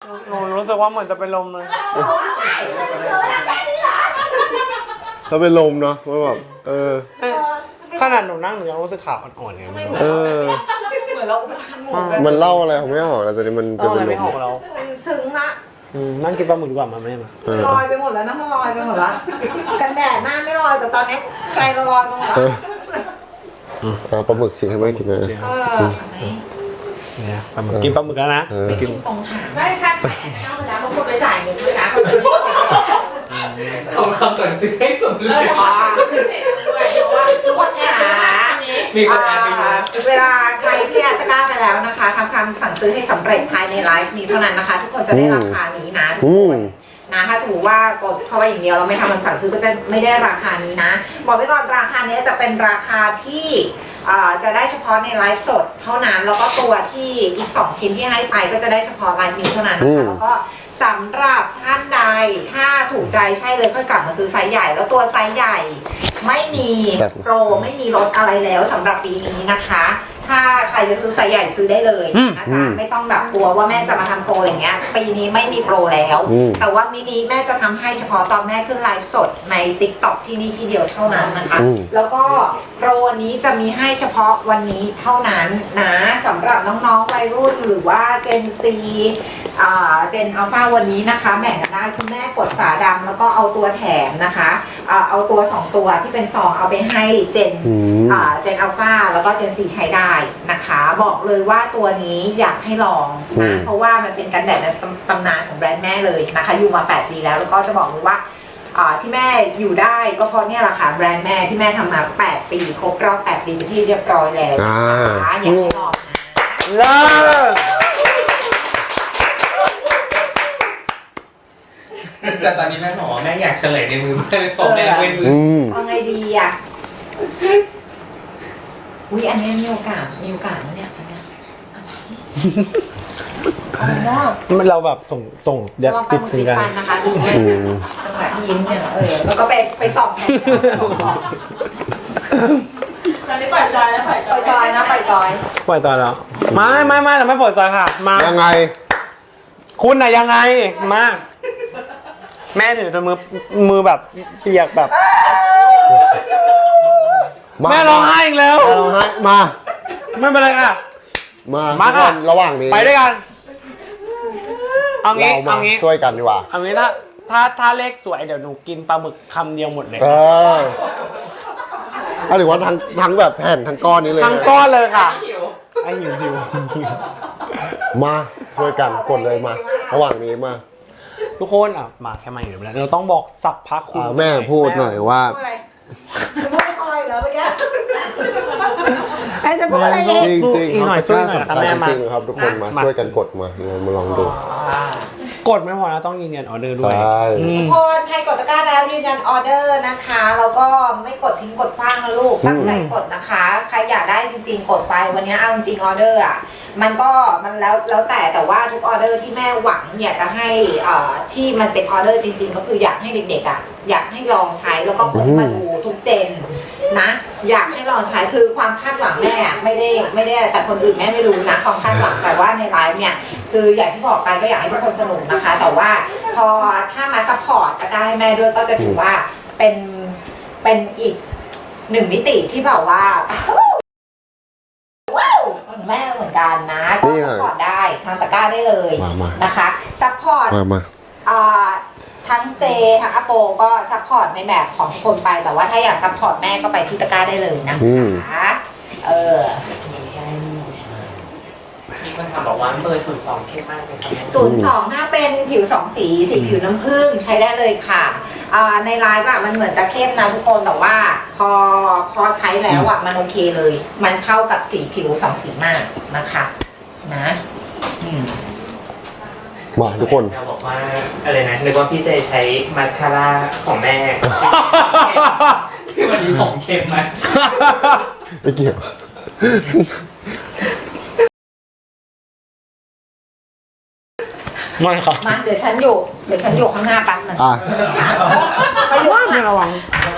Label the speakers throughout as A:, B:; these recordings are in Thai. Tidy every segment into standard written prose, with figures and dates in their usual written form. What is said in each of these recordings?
A: หนูรู้สึกว่าเหมือนจะเป็นลมเลย
B: ถ้าเป็นลมเนาะว่าแบบ
A: ขนาดหนูนั่งหนูยังรู้สึกขาอ่อนๆเลยเหมื
C: อนเราไปทานหมู
B: มันเล่าอะไรผมไม่ออกแต่ตอนนี้มันเป็นลม
A: ไม่ออกแล้ว
C: ซึ้งนะ
A: นั่งกินปลาหมึกดีกว่ามาแม่มา
C: ลอยไปหมดแล้วนะมันลอยไปหมดแล้วกันแดดหน้าไม่ลอยแต่ตอนนี้ใจเราลอยไปหมด
B: แล้วปลาหมึกสิให้ไม่กินเลย
A: เนี่ยปลาหมึกกินปลาหมึกแล้วนะ
C: ไปกินตรงหาง
D: ได้ค่าถ่ายแอนเข้าไปแล้วบางคนไปจ่ายเงินด้วยนะ
E: ของคำสั่งซื้อให้สมเลย
D: เพราะว่าทุกคนเนี่ย
E: มีคนอ่านไปดู
C: เวลาใครที่ตะกร้าไปแล้วนะคะทำคำสั่งซื้อให้สำเร็จภายในไลฟ์นี้เท่านั้นนะคะทุกคนจะได้ราคานี้นะทุกคนนะถ้าสมมติว่ากดเข้าไปอย่างเดียวเราไม่ทำคำสั่งซื้อก็จะไม่ได้ราคานี้นะบอกไว้ก่อนราคานี้จะเป็นราคาที่จะได้เฉพาะในไลฟ์สดเท่านั้นแล้วก็ตัวที่อีก2ชิ้นที่ให้ไปก็จะได้เฉพาะไลฟ์นี้เท่านั้นนะคะแล้วก็สำหรับท่านใดถ้าถูกใจใช่เลยก็กลับมาซื้อไซส์ใหญ่แล้วตัวไซส์ใหญ่ไม่มีโปรไม่มีลดอะไรแล้วสำหรับปีนี้นะคะถ้าใครจะซื้อไซส์ใหญ่ซื้อได้เลยนะจ๊ะไม่ต้องแบบกลัวว่าแม่จะมาทำโปรอย่างเงี้ยปีนี้ไม่มีโปรแล้วแต่ว่ามินิแม่จะทำให้เฉพาะตอนแม่ขึ้นไลฟ์สดใน TikTok ที่นี่ที่เดียวเท่านั้นนะคะแล้วก็โปรนี้จะมีให้เฉพาะวันนี้เท่านั้นนะสำหรับน้องๆวัยรุ่นหรือว่า Gen Zเจนอัลฟาวันนี้นะคะแบ่งกันได้คุณแม่กดฝาดำแล้วก็เอาตัวแถมนะคะเอาตัว2ตัวที่เป็นซองเอาไปให้เจนอัลฟาแล้วก็เจนซีใช้ได้นะคะบอกเลยว่าตัวนี้อยากให้ลองนะเพราะว่ามันเป็นกันแดดในตำนานของแบรนด์แม่เลยนะคะอยู่มา8 ปีแล้วก็จะบอกเลยว่าที่แม่อยู่ได้ก็เพราะเนี่ยแหละค่ะแบรนด์แม่ที่แม่ทำมา8 ปีครบรอบ8 ปีเป็นที่เรียบร้อยแล้วนะคะอยากให้ลองนะ
E: แต่ตอนนี้แม่บอกว่าแม่อยากเฉลยในมือแม่เลยตบแม่ในมือ
C: เอาไงดีอ่ะอุ้ยอันนี้มีโอกาสนะเนี่ยอันเนี้ย
A: มันเราแบบส่งเดี๋ยวติดถึงกัน
C: นะคะดูจังหวะที่ยิ้มเนี่ยแล้วก็ไปส่องแทน
D: ตอนนี้ปล่อยจอยแล้วปล่อยจอย
C: นะปล่อยจอย
A: แล้วไม่เราไม่ปล่อยจอยค่ะมา
B: ยังไง
A: คุณน่ะยังไงมาแม่ถือจนมือแบบเปียกแบบแม่ร้องไห้อีกแล้ว
B: ร้องไห้มา
A: ไม่เป็นไรค่ะ
B: มาค่ะระหว่างนี้
A: ไปด้วยกันเอางี้
B: ช่วยกันดีกว่า
A: เอางี้ถ้าเลขสวยเดี๋ยวหนูกินปลาหมึกคำเดียวหมดเลย
B: เอาหรือว่าทั้งแบบแผ่นทั้งก้อนนี้เลย
A: ทั้งก้อนเลยค่ะไอ้หิว
B: มาช่วยกันกดเลยมาระหว่างนี้มา
A: ทุกคนมาแค่มาอยู่แล้วเราต้องบอกสับพักคุณ
B: แม่พูดหน่อยว่า
C: พูดอะไรเหรอเมื่อกี้ไอ้จะพูดอะไร
B: จริงๆครับช่วยกันจริงๆครับทุกคนมาช่วยกันกดมาลองดู
A: กดไม่พอนะต้องยืนยันออเดอร์ด้วย
C: ทุกคนใครกดตะกร้าแล้วยืนยันออเดอร์นะคะแล้วก็ไม่กดทิ้งกดคว้างนะลูกตั้งใจกดนะคะใครอยากได้จริงๆกดไปวันนี้เอาจริงออเดอร์มันแล้วแต่ว่าทุกออเดอร์ที่แม่หวังอยากจะให้ที่มันเป็นออเดอร์จริงๆก็คืออยากให้เด็กๆอยากให้ลองใช้แล้วก็กดมาดูทุกเจนนะอยากให้ลองใช้คือความคาดหวังแม่ไม่ได้แต่คนอื่นแม่ไม่รู้นะความคาดหวังแต่ว่าในไลฟ์เนี่ยคืออย่างที่บอกไปก็อยากให้ทุกคนสนุกนะคะแต่ว่าพอถ้ามาซัพพอร์ตตะกร้าให้แม่ด้วยก็จะถือว่าเป็นอีก1 มิติที่แบบว่าแม่เหมือนกันนะก็ซัพพอร์ตได้ทางตะกร้าได้เลยนะคะซัพพอร์ตทั้งเจทั้งอโปก็ซัพพอร์ตในแบบของทุกคนไปแต่ว่าถ้าอยากซัพพอร์ตแม่ก็ไปที่ตะกร้าได้เลยนะคะ
E: มีคนถามบอกว่าเบอร์02เข้มมากเลยครับ
C: 02ถ้าเป็นผิว2 สีผิวน้ำผึ้งใช้ได้เลยค่ะในไลฟ์มันเหมือนจะเข้มนะทุกคนแต่ว่าพอใช้แล้วมันโอเคเลยมันเข้ากับสีผิว2 สีมากนะคะนะ
B: มาทุกคน
E: บอกว่าอะไรนะนึกว่าพี่เจใช้มาสคาร่าของแม่ที่วันนี้ผมเข้มไหม
B: ไม่เกี่ยว
A: ไม่ครับ
C: มาเดี๋ยวฉันอยู่ข้างหน้าแป๊บนึงไปอยู่ข้างหน้า
A: ระวัง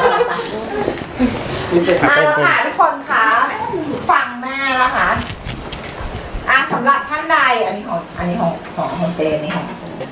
C: มาแล้วค่ะทุกคนคะฟังแม่แล้วค่ะสำหรับท่านใดอันนี้ของเจนนี่ของ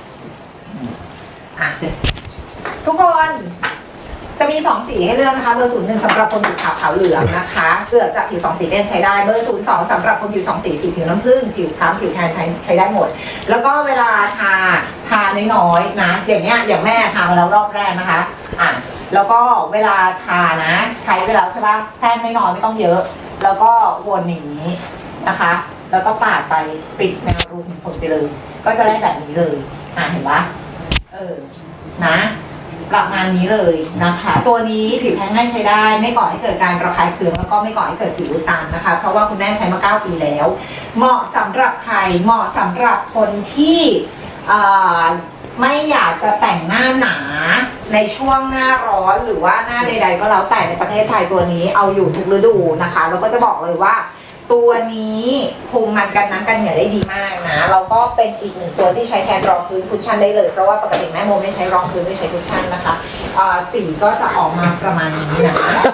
C: เจนทุกคนจะมี2สีให้เลือกนะคะเบอร์01สำหรับคนผิวขาวเหลืองนะคะเลือกจากผิว2สีเด่นใช้ได้เบอร์02สำหรับคนผิว2สีผิวน้ำผึ้งผิวคล้ำผิวแทนใช้ได้หมดแล้วก็เวลาทาน้อยๆนะอย่างแม่ทามาแล้วรอบแรกนะคะแล้วก็เวลาทานะใช้เวลาใช่ปะแป้งน้อยๆไม่ต้องเยอะแล้วก็วนอย่างนี้นะคะแล้วก็ปาดไปปิดแนวรูขุมขนไปเลยก็จะได้แบบนี้เลยเห็นปะนะประมาณนี้เลยนะคะตัวนี้ผิวแพ้ง่ายใช้ได้ไม่ก่อให้เกิดการระคายเคืองแล้วก็ไม่ก่อให้เกิดสิวอุดตันนะคะเพราะว่าคุณแม่ใช้มา9 ปีแล้วเหมาะสำหรับใครเหมาะสำหรับคนที่ไม่อยากจะแต่งหน้าหนาในช่วงหน้าร้อนหรือว่าหน้าใดๆก็แล้วแต่ในประเทศไทยตัวนี้เอาอยู่ทุกฤดูนะคะแล้วก็จะบอกเลยว่าตัวนี้คุมมันกันน้ำกันเหงื่อได้ดีมากนะแล้วก็เป็นอีกหนึ่งตัวที่ใช้แทนรองพื้นคุชชั่นได้เลยเพราะว่าปกติแม่โมไม่ใช้รองพื้นไม่ใช้คุชชั่นนะคะสีก็จะออกมาประมาณนี้นะ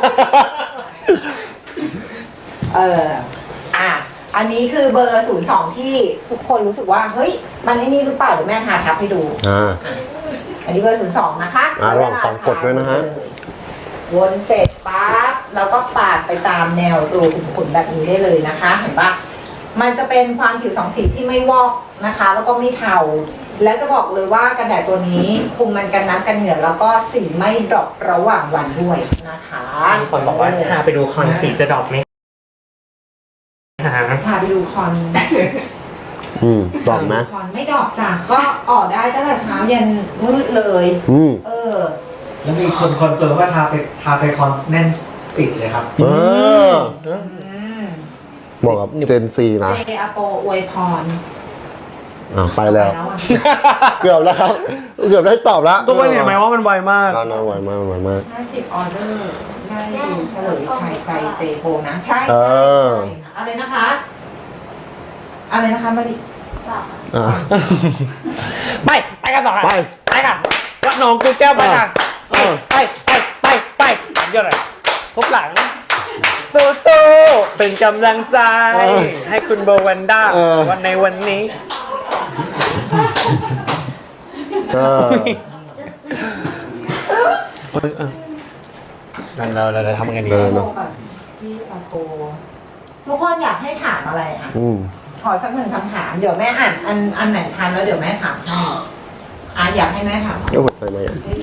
C: อันนี้คือเบอร์02ที่ทุกคนรู้สึกว่าเฮ้ยมันไอ้นี่หรือเปล่าเดี๋ยวแม่ทาทับให้ดูอันนี้เบอร์02นะคะ
B: ระหว่างฟังกดด้วยนะฮะ
C: วนเสร็จปั๊บแล้วก็ปาดไปตามแนวรูขุมขนแบบนี้ได้เลยนะคะเห็นปะมันจะเป็นความผิว2สีที่ไม่วอกนะคะแล้วก็ไม่เทาและจะบอกเลยว่ากันแดดตัวนี้คุมมันกันน้ำกันเหงื่อแล้วก็สีไม่ดรอประหว่างวันด้วยนะคะ
A: มีคนบอกว่าพาไปดูคอนสีจะดรอปไหม
C: พาไปดูคอน
B: ดอกไหม
C: คอนไม่ดอกจ้ะก็ออกได้ตั้งแต่เช้าเย็นมืดเลย
E: แล้วมีคนคอนเฟิร์มว่าทาไปคอนแน่นติดเลยครับ
B: บอกกับเจนซีนะ
C: เจอโปอวยพร
B: ไปแล้วเกือบแล้วครับเกือบได้ตอบแล้ว
A: ตัวเห็นไหมว่ามันไวมาก
B: ไวมาก
C: 50 ออเดอร์ได้ดูเฉลยไทยใจเจโปนะใช่อะไรนะคะมาดิ
A: ไปกันต่อค่ะไปค่ะวัดหนองกูแก้วไปค่ะไปเยอะเลยทุบหลังสู้ๆเป็นกำลังใจให้คุณโบวันด้าวันในวันนี้เราจะทำกันดี
C: ทุกคนอยากให้ถามอะไรขอสัก1 คำถามเดี๋ยวแม่อ่านอันไหนทันแล้วเดี๋ยวแม่ถามให้อยากให้แม่ถาม
B: เดี๋ยวหัวใจไหม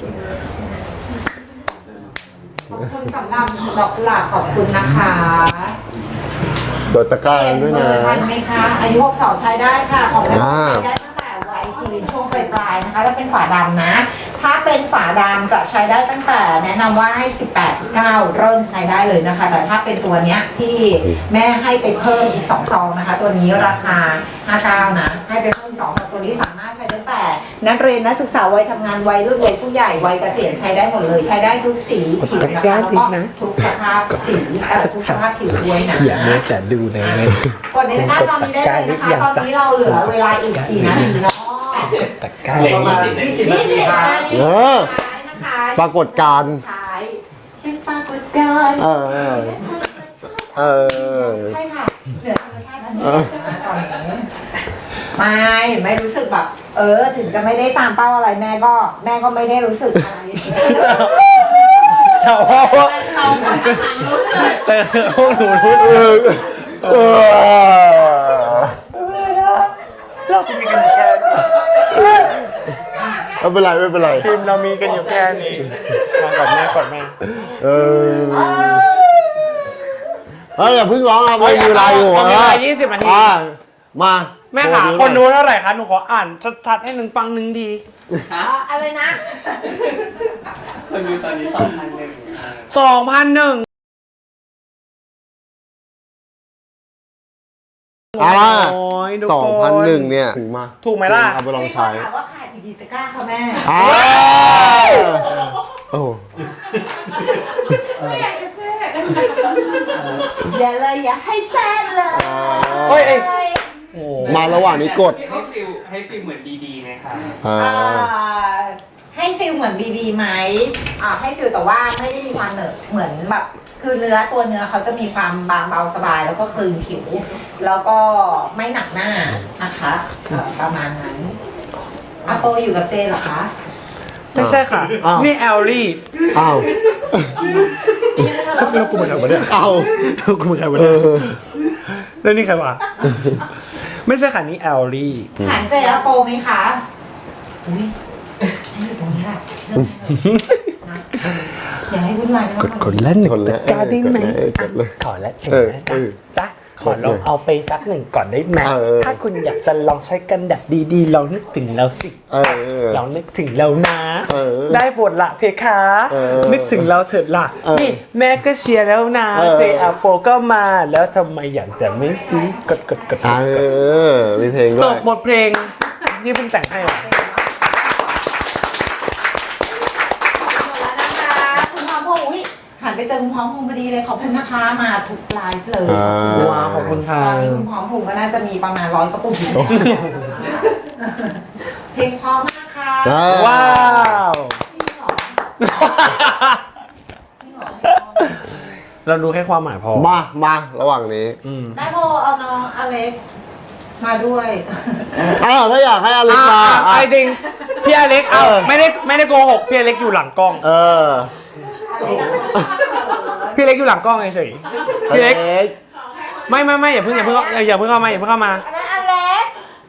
C: ขอบคุณสำหรับดอกกุหลาบขอบคุณนะคะ
B: โดดตะกร้าด้วยนะ
C: ทันไหมคะอายุ62ใช้ได้ค่ะของแม่ใช้ได้ตั้งแต่วัยทีช่วงปลายๆนะคะแล้วเป็นฝาดำนะถ้าเป็นฝาดำจะใช้ได้ตั้งแต่แนะนำว่าให้18-19เริ่มใช้ได้เลยนะคะแต่ถ้าเป็นตัวเนี้ยที่แม่ให้ไปเพิ่มอีก2 ซองนะคะตัวนี้ราคา59นะให้ไปเพิ่ม2 ซองตัวนี้สามารถใช้ได้แต่นักเรียนนักศึกษาวัยทำงานวัยรุ่นวัยผู้ใหญ่วัยเกษียณใช้ได้หมดเลยใช้ได้ทุกสีผิวนะคะแล้วก็ทุกสภาพสีทุกสภาพผิวด้วยนะ
A: อย่าเมื่อจะดูใน
C: กดในตะกร้าตอนนี้ได้เลยนะคะตอนนี้เราเหลือเวลาอีกกี่นาทีเนาะ
A: ตะกร้า
E: ประมาณ20 นาที
C: นะคะ
B: ปรากฏการณ์
C: เป็นปรากฏการณ์ใช่ค่ะเหนือธรรมชาติอันนี้ตอนนี้ไม่รู้สึกแบบถึงจะไม่ได้ตามเป้าอะไรแม่ก็ไม่ได้รู้สึกอะไร
A: แต่ว่าพวกหนูรู้สึกเราจะมีกันแค่
B: ไม่เป็นไร
A: ทีมเรามีกันอยู่แค่นี้มากอดแม่
B: อย่าเพิ่งร้องเอาไปมีเวลาอยู่
A: มีเวลา20 นาที
B: มา
A: แม่ขาคนดูเท่าไหร่คะหนูขออ่านชัดๆให้ฟังที
C: อะไรนะ
E: คนดูตอนนี้2,001
A: 2,001
B: 2,001เนี่ยถึงมา
A: ถูกไหมล่ะ
B: เอาไปลองใช้
C: ว่าขายดีตะกร้าค่ะแม่
D: ไม่อยากจะแทรก
C: อย่าให้แทรกเลย
B: มาระหว่างนี้กด
E: ให้ฟิลเหมือนดีๆไหมคะ
C: ให้ให้ฟิลเหมือนบีบีไหมให้ฟิลแต่ว่าไม่ได้มีความเหมือนแบบคือตัวเนื้อเขาจะมีความบางเบาสบายแล้วก็คลึงผิว แล้วก็ไม่หนักหน้านะคะประมาณนั้นอาโปอยู่กับเจเหรอคะ
A: ไม่ใช่ค่ะ นี่แอลลี่
B: อ้าว
A: แล้วกูมาจากไหนเนี่ย
B: อ้าว
A: กูมาจากไหนเนี่ยแล้วนี่ใครวะไม่ใช่ค่ะนี่แอลลี่
C: หันเจอาโปไหมคะอุ้ยให้อยู่ตรงนี้แหละอย่าให้วุ่นวายนะ
A: กดเล่นหนึ่ง
B: คนละ
A: กล้าได้ไหม
B: กดเลย
A: ขอและถึงนะ
B: เออ
A: จ๊ะขอลองเอาไปสักหนึ่งก่อนได้ไหม
B: เออ
A: ถ้าคุณอยากจะลองใช้กันแดดดีๆลองนึกถึงเราสิ
B: เออ
A: ลองนึกถึงเรานะ
B: เออ
A: ได้บทละเพคะ
B: เออ
A: นึกถึงเราเถิดละ
B: เออ
A: นี่แม่ก็เชียร์แล้วนะ
B: เออ
A: เจอาโปก็มาแล้วทำไมอยากจะไม่ซื้อกด
B: เออมีเพลงด้
A: จ
B: วย
A: บบทเพลงที่เพิ่งแต่งให้อะ
C: หมดแล้วนะคะคุณพร้อมพงษ์อุ๊ยหันไปเจอคุณพร้อมพงษ์พอดีเลยขอบคุณนะคะมาทุกไลฟ์เลย
A: ว้าวขอบคุณค่ะ
C: ตอนนี้คุณพร้อมพงษ์ก็น่าจะมีประมาณ100กระปุกอยู่เพลงพร้อมมากค่ะ
A: ว้าว
C: จริงเหรอจริงเหรอ
A: เราดูแค่ความหมายพอ
B: มาระหว่างนี้
C: ได้โพเอาน้องอเล็กมาด้วย
B: อ้าวถ้าอยากให้อเล็กมา
A: ไอ้จริงพี่อเล็กเอาไม่ได้โกหกพี่อเล็กอยู่หลังกล้อง
B: เออ
A: พี่เล็กอยู่หลังกล้องเฉยๆพี่เล็กไม่อย่าเพิ่งเข้ามาอย่าเพิ่งเข้ามา
C: อันนั้นอเล็ก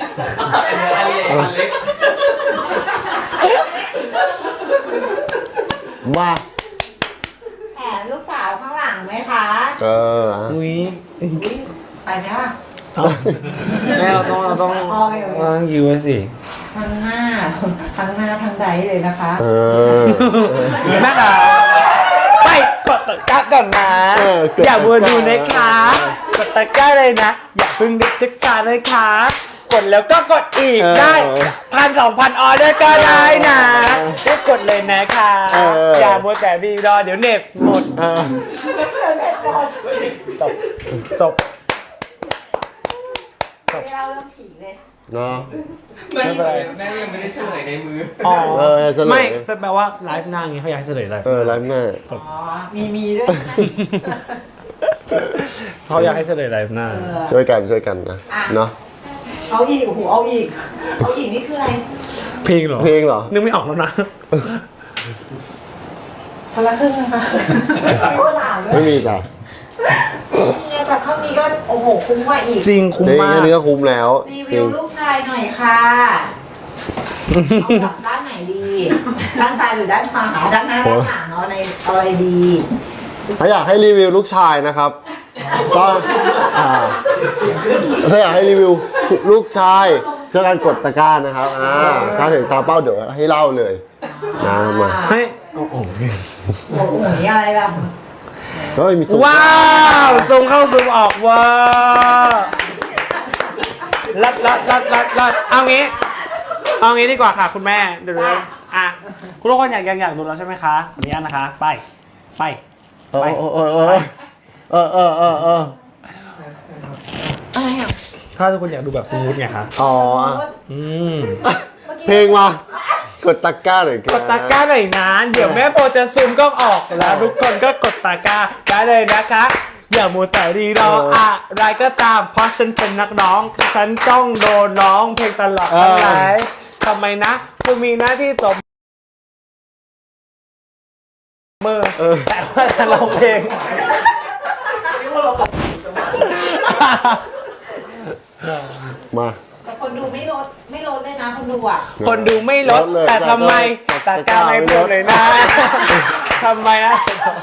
B: มา
C: แถมลูกสาวข้างหลังไหมคะ
B: เออ
A: อุ้ย
C: ไปไหมล่ะ
A: แม่เราต้องยื้อไว้สิ
C: ทั้งหน้าทั้งใดเลยนะคะ
B: เออ
A: แม่ค่ะไปกดตะกร้าก่อนนะ อย่ามัวดูนะคะกดตะกร้าเลยนะ อย่าเพิ่งนึกชาเลยค่ะกดแล้วก็กดอีกได้1,000-2,000ออเดอร์ก็ได้นะก็กดเลยนะคะอย่ามัวแต่บีรอเดี๋ยวเน็ตหมด จบ
C: ไม่เล่าเรื่องผีเลย
B: เนาะ
A: ไม่เป็นไร
F: แม่ยังไม่ได้เฉลยในมือ
A: อ๋อ
B: เฉลย
A: ไม่แปลว่าไลฟ์หน้าอย่างงี้เขาอยากให้เฉลยอะไร
B: ไลฟ์หน้า
C: อ๋อมีด้วยนะ
A: เขาอยากให้เฉลยไลฟ์หน้า
B: ช่วยกันนะเนาะ
C: เอาอีกโอ้โหเอาอีกนี่คืออะไร
A: เพลงเหรอ
B: เพลงเหรอ
A: นึกไม่ออกแล้วนะ
C: คนละครึ่งนะคะโอ้หลาวด้ว
B: ไม่
C: ย
B: มีจ้ะ
C: เนี่ยจากเท่านี้ก็โอ้โหคุ้มกว่าอีก
A: จริงคุ้ม
B: เพลง
A: มาก
B: แค่นี้ก็คุ้มแล้ว
C: รี
B: จ
C: วิ
B: ริ
C: ว
B: ง
C: ลูกชายหน่อยค่ะเอาแบบด้านไหนดี ด้านซ้ายหรือด้านขวาด้านหน้าด้านหลังเอาอะไรดี
B: ถ้าอยากให้รีวิวลูกชายนะครับ ก็ถ้าอยากให้รีวิวลูกชายช่วยกันกดตะกร้านะครับถ้าถึงตามเป้าเดี๋ยวให้เล่าเลยนะมา
A: ให้โอ้โห
C: โอ้โหนี่อะไรล่ะ
B: เฮ้ยมีสุ
A: ว้าวซูมเข้าซูมออกว้าวลัดเอางี้ดีกว่าค่ะคุณแม่เดี๋ยวอ่ะคุณทุกคนอยากดูแล้วใช่ไหมคะขออนุญาตนะคะไป
B: เออ
C: อะไรอ่ะ
A: ถ้าทุกคนอยากดูแบบสมูทไงคะ
B: อ๋อ
A: อืม
B: เพลงมากดตะกร้าหน่อย
A: กดตะกร้าหน่อยนะเดี๋ยวแม่โปรจะซูมกล้องออกแล้วทุกคนก็กดตะกร้าได้เลยนะคะ อย่ามัวแต่รีรออะไรก็ตามเพราะฉันเป็นนักร้อง ฉันต้องโดนร้องเพลงตลอดทั้งหลายทำไมนะกูมีหน้าที่ตบมือแต่ว่าจะร้องเพลง
B: มา
C: แต่คนดูไม่ลดเลยนะคนดูอ่ะ
A: คนดูไม่ลดแต่ทำไมตะกร้าไม่พูดเลยนะทำไมนะ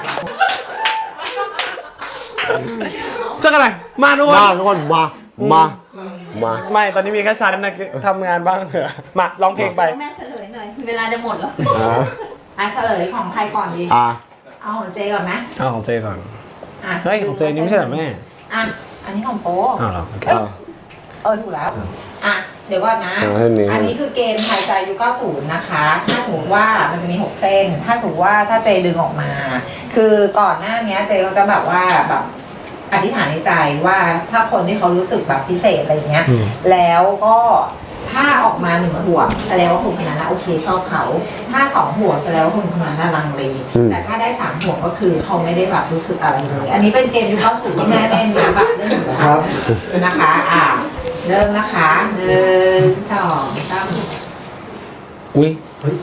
A: เจอกันไหนมาทุกคน
B: ทุกคนมา
A: ไม่ตอนนี้มีแค่ฉันนะทำงานบ้างเหรอมาร้องเพลงไป
D: แม่เฉลยหน่อย เวลาจะหมดแล้ว
C: เฉลยของใครก่อนดี เอาของเจก่อนไหม
A: เอาของเจก่อน
C: อ่ะ
A: เฮ้ยของเจนี่ไม่ใช่เหรอแม่
C: อ่ะอันนี้ของโป๊
A: อ้าวเหรอ
C: ถูกแล้ว อ่ะ เดี๋ยวก่อนนะ อันนี้คือเกมทายใจยุค90 นะคะ ถ้าสมมติว่ามันจะมี6เส้น ถ้าสมมติว่าถ้าเจดึงออกมา คือก่อนหน้านี้เจก็จะแบบว่าแบบอธิษฐานในใจว่าถ้าคนที่เขารู้สึกแบบพิเศษอะไรเงี้ย แล้วก็ถ้าออกมา1 ห่วงแสดงว่าคนคนนั้นนะโอเคชอบเขา ถ้า2 ห่วงแสดงว่าคนคนนั้นน่ะลังเลแต่ถ้าได้3 ห่วงก็คือเขาไม่ได้แบบรู้สึกอะไรเลย อันนี้เป็นเกมยุค90ที่แม่เล่นนะแบบเล่นอยู่แล้วนะคะเริ่มนะคะ1 2 3
A: อุ้ย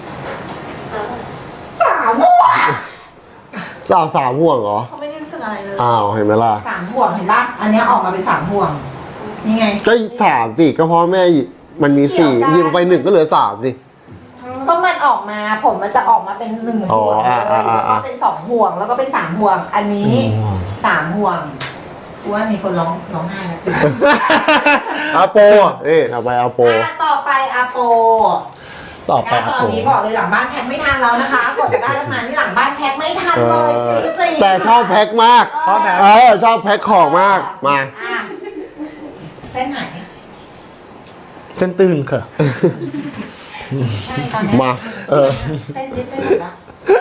C: 3 ห่วง
B: 3 ห่วงเหรอ
C: เขาไม่ได้รู้สึกอะไรเลย
B: อ้าวเห็นไหมล่ะ
C: 3 ห่วงเห็นป่ะอันเนี้ยออกมาเป็น3 ห่วงนี่ไง
B: ก็3สิก็เพราะแม่มันมี4ยิงไป1ก็เหลือ3สิ
C: ก็มันออกมาผมมันจะออกมาเป็น1 ห่วงเลยแล้วก็เป็น2 ห่วงแล้วก็เป็น3 ห่วง อันนี้3 ห่วงกูว่ามีคนร้องไห้แล้วจริง
B: อาโปเอาไปอาโป
C: ต่อไปอาโป
A: ต่อไป
C: ตอนนี้บอกเลยหลังบ้านแพ็คไม่ทันแล้วนะคะกดตะกร้ากันมานี่หลังบ้านแพ็คไม่ทันเลยจริงๆ
B: แต่ชอบแพ็คมาก
A: ชอบแพ็ค
B: ชอบแพ็คของมากมา
C: อ่ะเส้นไหน
A: เส้นตื่นค่ะ
C: ใช่ตอนนี้
B: มา
C: เส้นยึดได้หมดแล้ว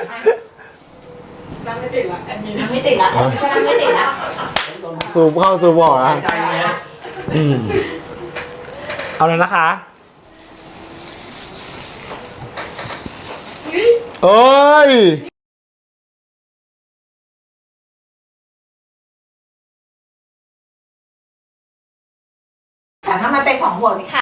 C: นั่งไม่ติดละอันนี้นั่งไม่ติดละอันนี้ก็นั่งไม่ติดละ
B: ซูมเข้าซูมออกนะ
E: ใจเลยนะ
A: เอาเลยนะคะ
B: เอ้ย
C: แต่ถ้ามันไป2 ห่วงนี่ค่ะ